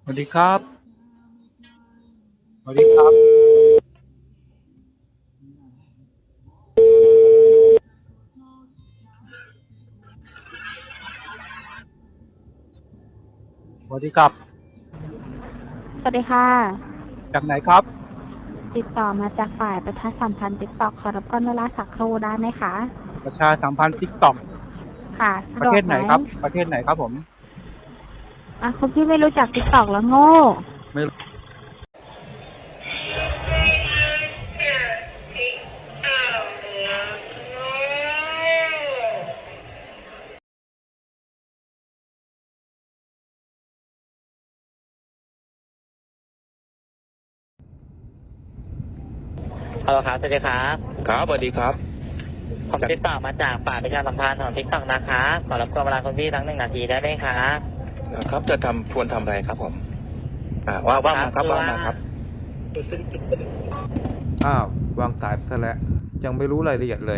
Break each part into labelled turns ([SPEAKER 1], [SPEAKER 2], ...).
[SPEAKER 1] สวัสดีครับสวัสดีครับสวัสดีครับ
[SPEAKER 2] สวัสดีค่ะ
[SPEAKER 1] จากไหนครับ
[SPEAKER 2] ติดต่อมาจากฝ่ายประชาสัมพันธ์ TikTok ขอรบกวนเวลาสักครู่ได้ไหมคะ
[SPEAKER 1] ประชาสัมพันธ์ TikTok
[SPEAKER 2] ค่ะสะ
[SPEAKER 1] ประเท
[SPEAKER 2] ดวกไหม
[SPEAKER 1] ศไหนครับประเทศไหนครับผม
[SPEAKER 2] คุณพี่ไม่รู้จัก TikTok แล้วโง่
[SPEAKER 1] ไม่รู้
[SPEAKER 3] ฮัลโหลครับสวัสดีครับ
[SPEAKER 4] ครับสวัสดีครับ
[SPEAKER 3] ผมติดต่อมาจากฝ่ายประชาสัมพันธ์ของ TikTok นะครับขอรบกวนเวลาคุณพี่ทั้ง1 นาทีได้ไหมครับ
[SPEAKER 4] ครับจะควรทำอะไรครับผมว่ามาครับว่ามาครับ
[SPEAKER 5] อ้าววางสายไปซะแล้วยังไม่รู้รายละเอียดเลย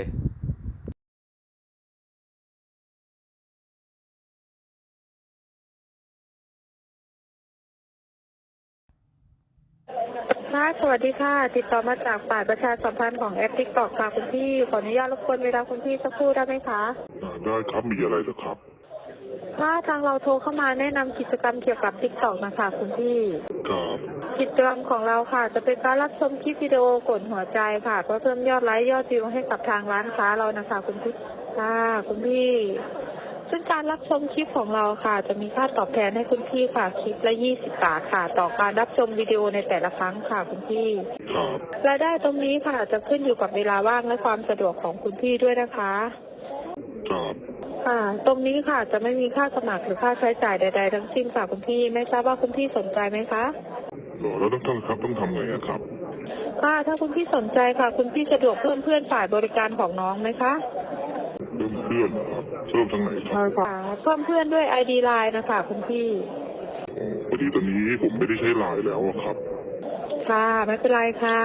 [SPEAKER 6] ค่ะสวัสดีค่ะ ติดต่อมาจากฝ่ายประชาสัมพันธ์ของแอป TikTok ค่ะคุณพี่ ขออนุญาตรบกวนเวลาคุณพี่สักครู่ได้ไหมคะ
[SPEAKER 7] ได้ครับ มีอะไรเหรอครับ
[SPEAKER 6] ถ้าทางเราโทรเข้ามาแนะนำกิจกรรมเกี่ยวกับ TikTok นะคะคุณพี่
[SPEAKER 7] ครับ
[SPEAKER 6] กิจกรรมของเราค่ะ จะเป็นการรับชมคลิปวิดีโอกดหัวใจค่ะเพื่อเพิ่มยอดไลค์ยอดวิวให้กับทางร้านค้าเรานะคะคุณพี่ค่ะคุณพี่ซึ่งการรับชมคลิปของเราค่ะ จะมีค่าตอบแทนให้คุณพี่ค่ะคลิปละ20 บาทค่ะต่อการรับชมวิดีโอในแต่ละครั้งค่ะคุณพี่
[SPEAKER 7] ครับ
[SPEAKER 6] รายได้ตรงนี้ค่ะจะขึ้นอยู่กับเวลาว่างและความสะดวกของคุณพี่ด้วยนะคะ
[SPEAKER 7] ครับ
[SPEAKER 6] ค่ะ ตรงนี้ค่ะจะไม่มีค่าสมัครหรือค่าใช้จ่ายใดๆทั้งสิ้นค่ะคุณพี่ไม่ทราบว่าคุณพี่สนใจไหมคะ
[SPEAKER 7] แล้วต้องทำไงอะครับ
[SPEAKER 6] ค่ะถ้าคุณพี่สนใจค่ะ คุณพี่สะดวกเพิ่มเพื่อนฝ่ายบริการของน้องไหมคะ
[SPEAKER 7] เริ่มเพื่อนเหรอครับเริ่มทางไหนครับ
[SPEAKER 6] ใช่ค่ะเพิ่มเพื่อนด้วย ID Line นะคะคุณพี่
[SPEAKER 7] พอดีตอนนี้ผมไม่ได้ใช้ไลน์แล้วอะครับ
[SPEAKER 6] ค่ะไม่เป็นไรค่ะ